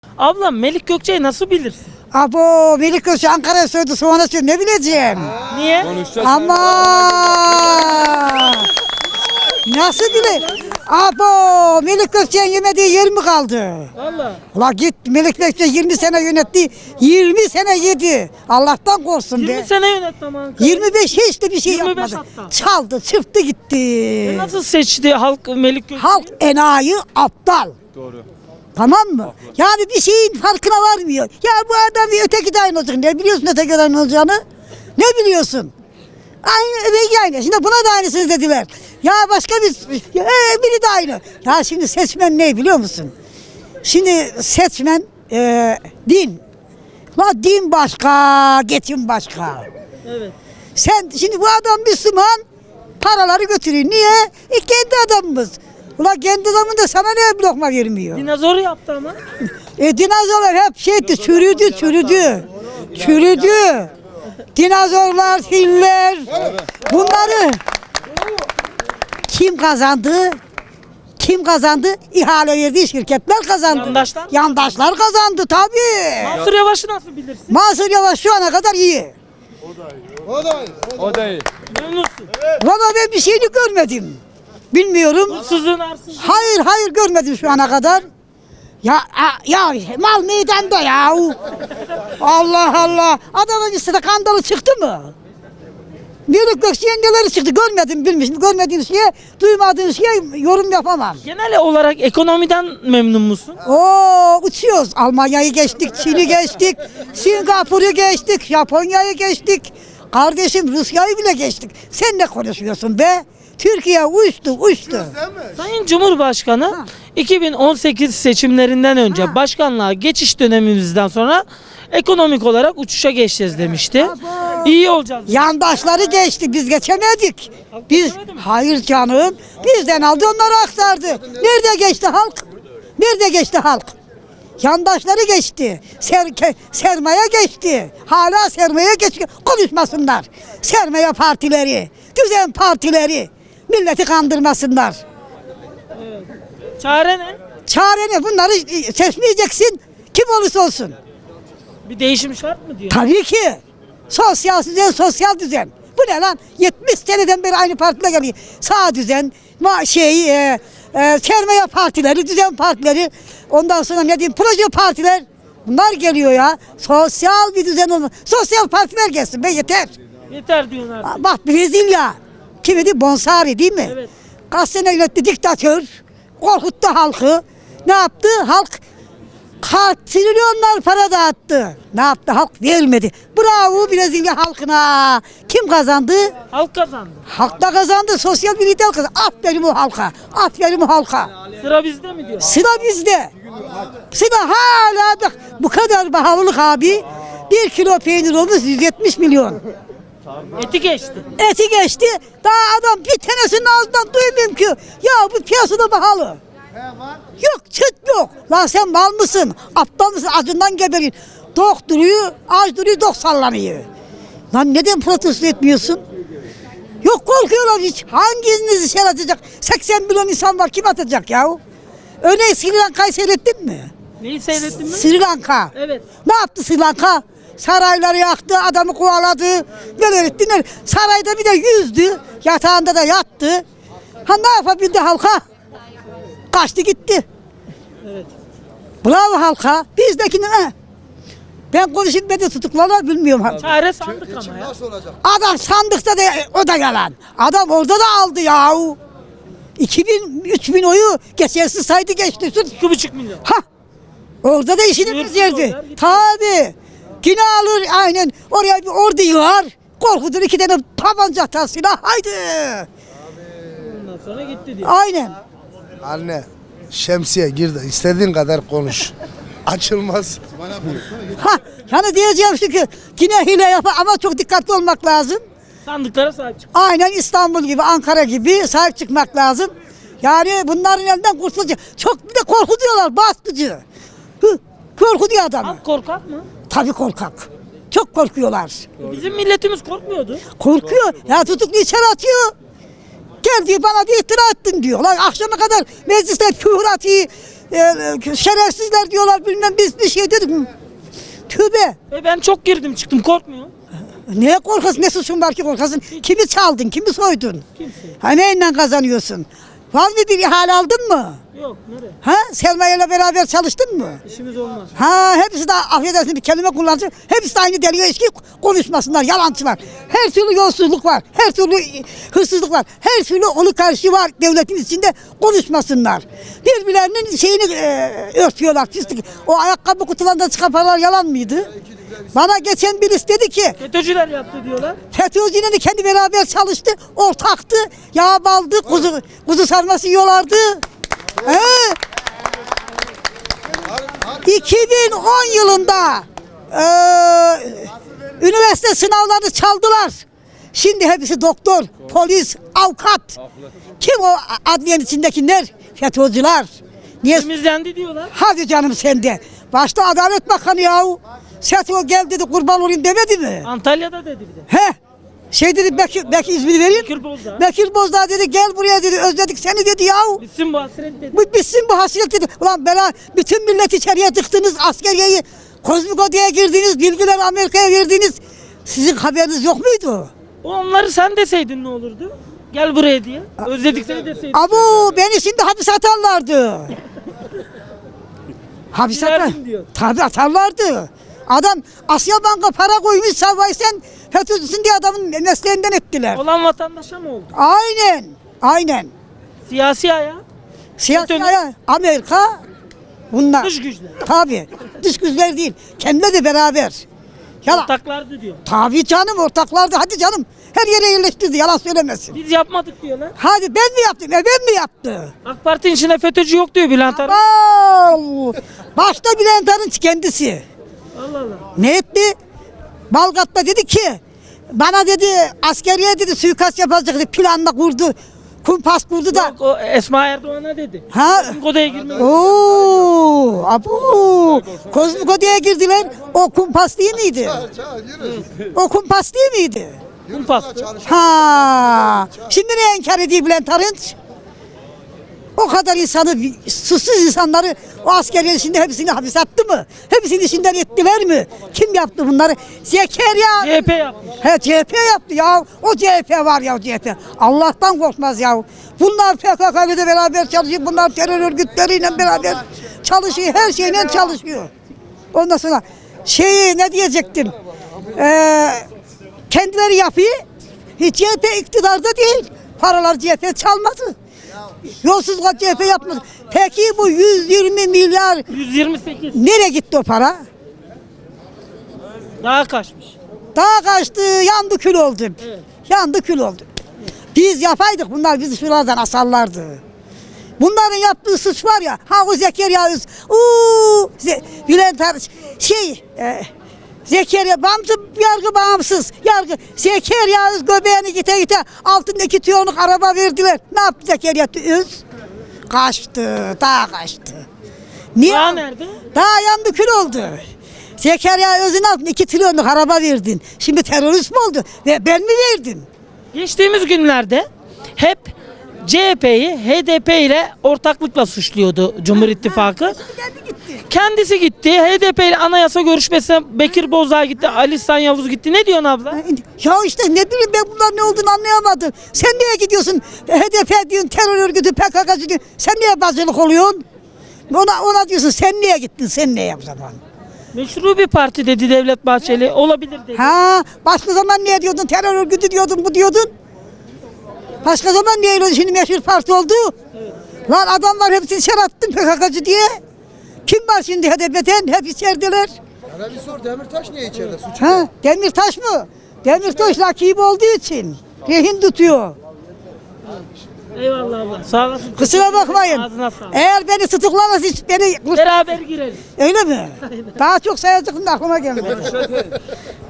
Ablam Melik Gökçe'yi nasıl bilirsin? Abo Melik Gökçe Ankara'ya söyledi sonra söyledi ne bileceğim. Niye? Ama nasıl bile? Abo Melik Gökçe'nin yemediği yer mi kaldı? Valla. Ula git Melik Gökçe 20 sene yönetti. 20 sene yedi. Allah'tan korksun 20 be. sene yönetti ama Ankara'yı. 25 hiç de bir şey 25 yapmadı. hatta. Çaldı, çırptı gitti. Nasıl seçti halk Melik Gökçe'yi? Halk enayi aptal. Doğru. Tamam mı? Yani bir şeyin farkına varmıyor. Ya bu adam bir öteki de aynı olacak. Ne biliyorsun öteki de aynı olacağını? Ne biliyorsun? Aynı öbeki aynı. Şimdi buna da aynısını dediler. Ya başka biri de aynı. Ya şimdi seçmen ne biliyor musun? Şimdi seçmen din. La din başka, geçim başka. Evet. Sen şimdi bu adam Müslüman paraları götürüyor. Niye? Kendi adamımız. Ulan kendi adamın da sana ne lokma vermiyor? Dinozor yaptı ama. Dinozorlar hep şeydi, çürüdü. Dinozorlar, filler. Bunları kim kazandı? Kim kazandı? İhale verdiği şirketler kazandı. Yandaşlar mı? Yandaşlar kazandı tabii. Mansur Yavaş'ı nasıl bilirsin? Mansur Yavaş şu ana kadar iyi. O da iyi. Memnunsun. Valla ben bir şeyini görmedim. Bilmiyorum. Hırsızlığın arsızlığın. Hayır görmedim şu ana kadar. Ya mal meydanda ya. Allah Allah. Adamın üstüne kandalı çıktı mı? Melik Gökçe'nin neleri çıktı görmedim bilmişim. Görmediğim şeye, duymadığım şeye yorum yapamam. Genel olarak ekonomiden memnun musun? Uçuyoruz. Almanya'yı geçtik, Çin'i geçtik, Singapur'u geçtik, Japonya'yı geçtik. Kardeşim Rusya'yı bile geçtik. Sen ne konuşuyorsun be? Türkiye uçtu. Sayın Cumhurbaşkanı 2018 seçimlerinden önce başkanlığa geçiş dönemimizden sonra ekonomik olarak uçuşa geçeceğiz demişti. İyi olacağız. Yandaşları geçti, biz geçemedik. Biz geçemedi mi? hayır canım. Bizden aldı onları aktardı. Nerede geçti halk? Nerede geçti halk? Yandaşları geçti. Sermaye geçti. Hala sermaye geçti. Konuşmasınlar. Sermaye partileri, düzen partileri milleti kandırmasınlar. Çare ne? Çare ne? Bunları seçmeyeceksin. Kim olursa olsun. Bir değişim şart mı diyor? Tabii ki. Sosyal düzen. Bu ne lan? 70 seneden beri aynı partiler geliyor. Sağ düzen, sermaye partileri, düzen partileri, ondan sonra ne diyeyim, proje partiler. Bunlar geliyor ya. Sosyal bir düzen olmalı. Sosyal partiler gelsin be yeter. Yeter diyorsun artık. Bak Brezilya. Kimidi? Bonsari değil mi? Evet. Kaç sene yönetti diktatör. Korkuttu halkı. Ne yaptı? Halk trilyonlar para dağıttı. Ne yaptı? Halk vermedi. Bravo Brezilya halkına. Kim kazandı? Halk kazandı. Halk da kazandı. Sosyal bir lider kazandı. Aferin o halka. Aferin o halka. Sıra bizde mi diyor? Sıra bizde. Sıra hala bak bu kadar pahalılık abi. 1 kilo peynir olmuş 170 milyon. Eti geçti. Eti geçti. Daha adam bir tanesinin ağzından duymuyorum ki. Ya bu piyasada pahalı. Yok çıt yok. Lan sen mal mısın? Aptal mısın? Acından geberin. Tok duruyor, aç duruyor, dok sallanıyor. Lan neden protesto etmiyorsun? Yok korkuyorlar hiç. Hanginizi şey atacak? 80 milyon insan var kim atacak ya? Örneğin Sri Lanka'yı seyrettin mi? Neyi seyrettin mi? Sri Lanka. Evet. Ne yaptı Sri Lanka? Sarayları yaktı, adamı kovaladı. Neler etti neler. Sarayda bir de yüzdü. Yatağında da yattı. Ha ne yapabildi halka? Kaçtı gitti. Evet. Bravo halka. Bizdekine ne? Ben konuşayım ben de tutuklarlar bilmiyorum. Çare sandık ama ya. Adam sandıkta da o da yalan. Adam orada da aldı yahu. 3000 oyu geçersiz saydı geçti. 2,5 milyon. Ha. Orada da işini Yürütün bezirdi. oradan, gitti. Tabii. Yine alır aynen. Oraya bir ordu yığar. Korkudur 2 tane tabanca atar silah. Haydi. Ondan sonra gitti diyor. Aynen. Anne şemsiye gir de istediğin kadar konuş. Açılmaz. Ha. Yani diyeceğim şu ki yine hile yapar ama çok dikkatli olmak lazım. Sandıklara sahip çık. Aynen İstanbul gibi, Ankara gibi sahip çıkmak lazım. Yani bunların elinden kurtulacak. Çok bir de korkutuyorlar, baskıcı. Korkutuyor adamı. Halk korkak mı? Tabii korkak. Çok korkuyorlar. Bizim milletimiz korkmuyordu. Korkuyor. Ya tutuklu içeri atıyor. Gel diyor bana diyor iftira ettin diyor. Lan akşama kadar mecliste küfür şerefsizler diyorlar bilmem biz bir şey dedik mi? Tövbe. Ben çok girdim çıktım korkmuyor. Neye korkasın? Ne suçun var ki korkasın? Kimi çaldın? Kimi soydun? Kimse. Ha neyle kazanıyorsun? Var mı bir ihale aldın mı? Yok nereye? Ha Selma ile beraber çalıştın mı? İşimiz olmaz. Ha hepsi de affedersin bir kelime kullanacak. Hepsi de aynı deliyor eski konuşmasınlar, yalancılar. Her türlü yolsuzluk var. Her türlü hırsızlık var. Her türlü oligarşi var devletin içinde konuşmasınlar. Birbirlerinin şeyini örtüyorlar. Pislik. O ayakkabı kutularından çıkan paralar yalan mıydı? Bana geçen birisi dedi ki FETÖ'cüler yaptı diyorlar. FETÖ'cüyle de kendi beraber çalıştı, ortaktı, yağ baldı, kuzu sarması yiyorlardı. He. 2010 yılında üniversite sınavlarını çaldılar. Şimdi hepsi doktor, polis, avukat. Kim o adliyenin içindekiler? FETÖ'cüler. Niye? Temizlendi diyorlar. Hadi canım sende. Başta Adalet Bakanı yahu. FETÖ gel dedi kurban olayım demedi mi? Antalya'da dedi bir de. He. Şey dedi Bekir ismini vereyim. Bekir Bozdağ. Bekir Bozdağ dedi gel buraya dedi özledik seni dedi yahu. Bitsin bu hasret dedi. Bitsin bu hasret dedi. Ulan bela bütün millet içeriye tıktınız askeriyeyi. Kozmiko'ya girdiniz, bilgiler Amerika'ya verdiniz. Sizin haberiniz yok muydu? Onları sen deseydin ne olurdu? Gel buraya diye. Özledik seni deseydin. Abu beni şimdi hapis atarlardı. Hapis atar. Giderdim diyor. Tabii atarlardı. Adam Asya Banka para koymuş savay sen FETÖ'cüsün diye adamın mesleğinden ettiler. Olan vatandaşa mı oldu? Aynen. Aynen. Siyasi ayağı. Siyasi FETÖ'nün- ayağı, Amerika bunlar. Dış güçler. Tabii. Dış güçler değil. Kendileri de beraber. Yalan. Ortaklardı diyor. Tabii canım ortaklardı. Hadi canım. Her yere yerleştirdi. Yalan söylemesin. Biz yapmadık diyorlar. Hadi ben mi yaptım? Ben mi yaptı? AK Parti'nin içinde FETÖ'cü yok diyor Bülent Arınç. Al. Başta Bülent Arınç kendisi. Allah Allah. Ne etti? Balgat'ta dedi ki bana dedi askeriye dedi suikast yapacak dedi. Planla kurdu. Kumpas kurdu da. Yok, o Esma Erdoğan'a dedi. Ha? Odaya girmek. Oo, abu. Kozmiko'ya girdiler. O kumpas değil miydi? O kumpas değil miydi? Kumpastı. Ha. Şimdi ne inkar ediyor Bülent Arınç? O kadar insanı, suçsuz insanları o askeriye şimdi hepsini hapis attı mı? Hepsini işinden ettiler mi? Kim yaptı bunları? Zekeriya. CHP yapmış. He CHP yaptı ya. O CHP var ya o CHP. Allah'tan korkmaz ya. Bunlar PKK ile beraber çalışıyor. Bunlar terör örgütleriyle beraber çalışıyor. Her şeyle çalışıyor. Ondan sonra ne diyecektim? Kendileri yapıyor. Hiç CHP iktidarda değil. Paralar CHP çalmadı. Yolsuzluk CHP yapmadı. Peki bu 120 milyar 128. nereye gitti o para? Daha kaçmış. Daha kaçtı, yandı kül oldu. Evet. Yandı kül oldu. Biz yapaydık, bunlar bizi şuralardan asarlardı. Bunların yaptığı suç var ya, ha o Zekeriya Öz, Bülent Arınç, Zekeriya, yargı bağımsız, yargı, Zekeriya Öz göbeğini gite altında 2 tiyonluk araba verdiler. Ne yaptı Zekeriya Öz? Kaçtı, daha kaçtı. Niye? Daha nerede? Daha yandı kül oldu. Zekeriya Öz'ün altında 2 trilyonluk araba verdin. Şimdi terörist mi oldu? Ve ben mi verdim? Geçtiğimiz günlerde hep CHP'yi HDP ile ortaklıkla suçluyordu Cumhur İttifakı. Kendi gitti. Kendisi gitti. HDP ile anayasa görüşmesine Bekir Bozdağ gitti. Ali İhsan Yavuz gitti. Ne diyorsun abla? Ya işte ne bileyim ben bunlar ne olduğunu anlayamadım. Sen niye gidiyorsun? HDP diyorsun, terör örgütü, PKK'cı diyorsun. Sen niye bazılık oluyorsun? Ona diyorsun sen niye gittin? Sen niye o zaman? Meşru bir parti dedi Devlet Bahçeli. Olabilir dedi. Ha, başka zaman niye diyordun? Terör örgütü diyordun, bu diyordun. Başka zaman niye öyle şimdi meşhur parti oldu? Evet. Lan adamlar hepsini içeri attın PKK'cı diye. Kim var şimdi HDP'den? Hep içerideler. Bana bir sor Demirtaş niye içeride? Suç Ha, Demirtaş mı? Demirtaş rakip olduğu için rehin tutuyor. Eyvallah abla. Sağ olasın. Kusura bakmayın. Ağzına sağlık. Eğer beni tutuklamaz hiç beni... Beraber gireriz. Öyle mi? Daha çok sayacaktım da aklıma gelmedi.